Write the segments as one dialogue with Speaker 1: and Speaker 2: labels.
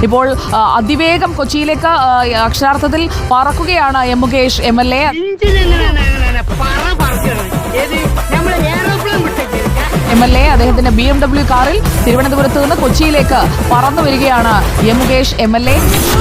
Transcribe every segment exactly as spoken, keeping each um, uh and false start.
Speaker 1: ഇപ്പോൾ അതിവേഗം കൊച്ചിയിലേക്ക് അക്ഷരാർത്ഥത്തിൽ പറക്കുകയാണ് M Mukesh M L A. M L A അദ്ദേഹത്തിന്റെ ബി എം ഡബ്ല്യു കാറിൽ തിരുവനന്തപുരത്ത് നിന്ന് കൊച്ചിയിലേക്ക് പറന്നു വരികയാണ് M Mukesh M L A.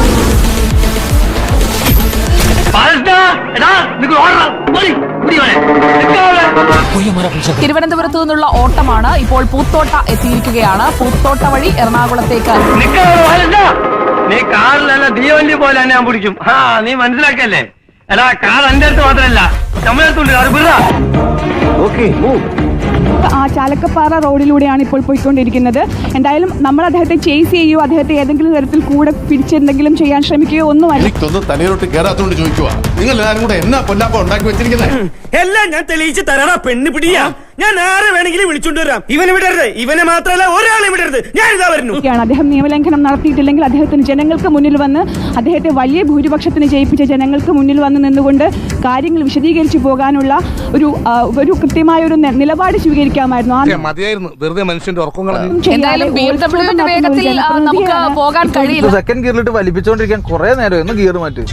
Speaker 1: തിരുവനന്തപുരത്തു നിന്നുള്ള ഓട്ടമാണ്. ഇപ്പോൾ പൂത്തോട്ട എത്തിയിരിക്കുകയാണ്. പൂത്തോട്ട വഴി എറണാകുളത്തേക്ക്.
Speaker 2: നീ കാറിലല്ല തീവണ്ടി പോലെ ഞാൻ പിടിക്കും. ആ നീ മനസ്സിലാക്കല്ലേ? എടാ കാർ എന്റെ അടുത്ത് മാത്രമല്ല നമ്മളെ അടുത്തുണ്ട്. അത് വിടാ. ഓക്കേ
Speaker 3: ആ ചാലക്കപ്പാറ റോഡിലൂടെയാണ് ഇപ്പോൾ പോയിക്കൊണ്ടിരിക്കുന്നത്. എന്തായാലും നമ്മൾ അദ്ദേഹത്തെ ചേസ് ചെയ്യുകയോ അദ്ദേഹത്തെ ഏതെങ്കിലും തരത്തിൽ കൂടെ പിടിച്ചെന്തെങ്കിലും ചെയ്യാൻ ശ്രമിക്കുകയോ ഒന്നുമല്ല.
Speaker 4: എനിക്കൊന്നും തലയിലോട്ട് കയറാത്തോണ്ട് ചോദിക്കുക, നിങ്ങൾ എല്ലാവരും കൂടെ എന്നാ കൊല്ലാപ്പ ഉണ്ടാക്കി വെച്ചിരിക്കുന്നത്?
Speaker 5: എല്ലാം ഞാൻ തെളിയിച്ച് തരണ പെണ്ണ് പിടിയാ. ഞാൻ ആരെ വേണമെങ്കിലും വിളിച്ചോണ്ട് വരാം. ഇവനെ വിടരുത്. ഇവനെ മാത്രമല്ല ഒരാളെ വിടരുത്. ഞാൻ ഇതാ വരുന്നു.
Speaker 3: അദ്ദേഹം നിയമലംഘനം നടത്തിയിട്ടില്ലെങ്കിൽ അദ്ദേഹത്തിന് ജനങ്ങൾക്ക് മുന്നിൽ വന്ന് അദ്ദേഹത്തെ വലിയ ഭൂരിപക്ഷത്തിന് ജയിപ്പിച്ച ജനങ്ങൾക്ക് മുന്നിൽ വന്ന് നിന്നുകൊണ്ട് കാര്യങ്ങൾ വിശദീകരിച്ചു പോകാനുള്ള ഒരു ഒരു കൃത്യമായ ഒരു നിലപാട് സ്വീകരിക്കാമായിരുന്നു.
Speaker 4: മതിയായിരുന്നു വെറുതെ മനുഷ്യന്റെ ഉറക്കം കളഞ്ഞു.
Speaker 1: എന്തായാലും ബി എം ഡബ്ല്യുവിന്റെ വേഗത്തിൽ നമുക്ക് പോകാൻ കഴിയില്ല.
Speaker 6: സെക്കൻഡ് ഗിയറിലിട്ട് വലിപ്പിച്ചോണ്ടിരിക്കാൻ കുറെ നേരം ഒന്ന് ഗിയർ മാറ്റി.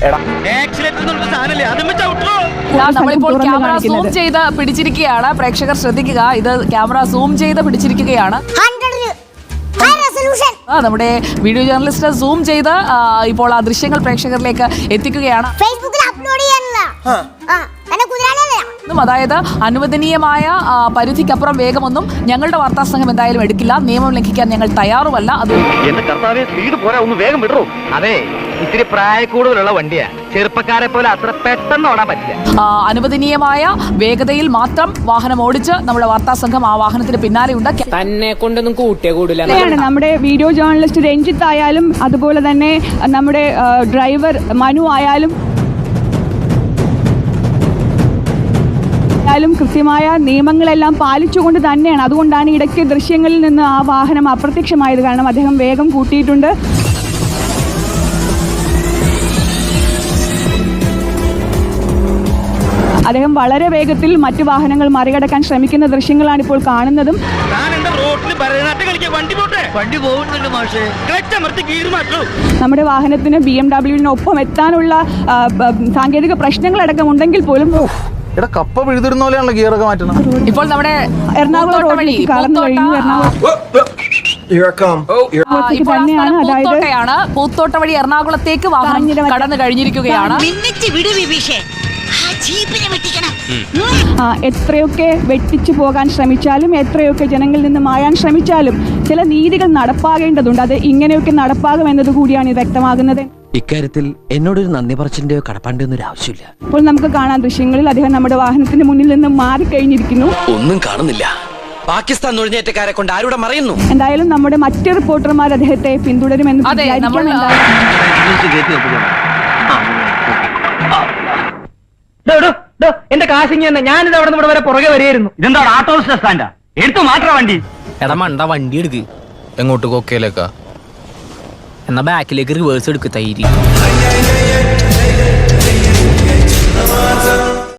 Speaker 1: നമ്മളിപ്പോൾ ക്യാമറ സൂം ചെയ്ത് പിടിച്ചിരിക്കുകയാണ്. പ്രേക്ഷകർ ശ്രദ്ധിക്കുക, ഇത് ക്യാമറ സൂം ചെയ്ത് പിടിച്ചിരിക്കുകയാണ്. നമ്മുടെ വീഡിയോ ജേർണലിസ്റ്റ് സൂം ചെയ്ത് ഇപ്പോൾ ആ ദൃശ്യങ്ങൾ പ്രേക്ഷകരിലേക്ക് എത്തിക്കുകയാണ്. അതായത് അനുവദനീയമായ പരിധിക്കപ്പുറം വേഗമൊന്നും ഞങ്ങളുടെ വാർത്താ സംഘം എന്തായാലും എടുക്കില്ല. നിയമം ലംഘിക്കാൻ ഞങ്ങൾ തയ്യാറുമല്ല. അത്
Speaker 2: അതെ, ഇത്തിരി പ്രായക്കൂടുതലുള്ള വണ്ടിയാ. ചെറുപ്പക്കാരെ പോലെ അത്ര പെട്ടെന്ന് ഓടാൻ പറ്റില്ല.
Speaker 1: അനുവദനീയമായ വേഗതയിൽ മാത്രം വാഹനം ഓടിച്ച് നമ്മുടെ വാർത്താ സംഘം ആ വാഹനത്തിന് പിന്നാലെയുണ്ട്.
Speaker 7: തന്നെ കൊണ്ടൊന്നും കൂട്ടിയേ കൂടില്ല.
Speaker 3: നമ്മുടെ വീഡിയോ ജേർണലിസ്റ്റ് രഞ്ജിത്ത് ആയാലും അതുപോലെ തന്നെ നമ്മുടെ ഡ്രൈവർ മനു ആയാലും ും കൃത്യമായ നിയമങ്ങളെല്ലാം പാലിച്ചുകൊണ്ട് തന്നെയാണ്. അതുകൊണ്ടാണ് ഇടയ്ക്ക് ദൃശ്യങ്ങളിൽ നിന്ന് ആ വാഹനം അപ്രത്യക്ഷമായത്. കാരണം അദ്ദേഹം വേഗം കൂട്ടിയിട്ടുണ്ട്. അദ്ദേഹം വളരെ വേഗത്തിൽ മറ്റു വാഹനങ്ങൾ മറികടക്കാൻ ശ്രമിക്കുന്ന ദൃശ്യങ്ങളാണ് ഇപ്പോൾ കാണുന്നതും. നമ്മുടെ വാഹനത്തിന് ബി എം ഡബ്ല്യുവിനൊപ്പം എത്താനുള്ള സാങ്കേതിക പ്രശ്നങ്ങളടക്കം ഉണ്ടെങ്കിൽ പോലും
Speaker 6: കപ്പ പിഴുതിരുന്ന പോലെയാണല്ലോ ഗിയറൊക്കെ മാറ്റണം.
Speaker 1: ഇപ്പോൾ നമ്മുടെ
Speaker 3: എറണാകുളം റോഡിലേക്ക് കടന്നു കഴിഞ്ഞു.
Speaker 1: തന്നെയാണ് അതായത് പൂത്തോട്ട വഴി എറണാകുളത്തേക്ക് വാഹനം കടന്നു കഴിഞ്ഞിരിക്കുകയാണ്.
Speaker 3: എത്രയൊക്കെ വെട്ടിച്ചു പോകാൻ ശ്രമിച്ചാലും എത്രയൊക്കെ ജനങ്ങളിൽ നിന്ന് മായാൻ ശ്രമിച്ചാലും ചില നീതികൾ നടപ്പാകേണ്ടതുണ്ട്. അത് ഇങ്ങനെയൊക്കെ നടപ്പാകും എന്നത് കൂടിയാണ് വ്യക്തമാകുന്നത്.
Speaker 8: ഇക്കാര്യത്തിൽ എന്നോടൊരു നന്ദി പറച്ചിന്റെ കടപ്പാണ്ടൊന്നും ഒരു ആവശ്യമില്ല.
Speaker 3: ഇപ്പോൾ നമുക്ക് കാണാൻ ദൃശ്യങ്ങളിൽ അദ്ദേഹം നമ്മുടെ വാഹനത്തിന് മുന്നിൽ നിന്ന് മാറിക്കഴിഞ്ഞിരിക്കുന്നു.
Speaker 8: ഒന്നും കാണുന്നില്ല. പാകിസ്ഥാൻ നുഴഞ്ഞേറ്റക്കാരെ കൊണ്ട് ആരുടെ മറയുന്നു.
Speaker 3: എന്തായാലും നമ്മുടെ മറ്റ് റിപ്പോർട്ടർമാർ അദ്ദേഹത്തെ പിന്തുടരുമെന്ന്
Speaker 2: എന്റെ കാശിങ് തന്നെ. ഞാനിത് അവിടെ നമ്മുടെ വരെ പുറകെ വരെയായിരുന്നു. ഇതെന്താ ആട്ടോ സ്റ്റാൻഡാ? എടുത്തു മാറ്റാ വണ്ടി.
Speaker 7: എടാ മണ്ട വണ്ടി എടുക്ക്. എങ്ങോട്ട് കൊക്കയിലേക്കാ? എന്നാ ബാക്കിലേക്ക് റിവേഴ്സ് എടുക്ക്. തൈരി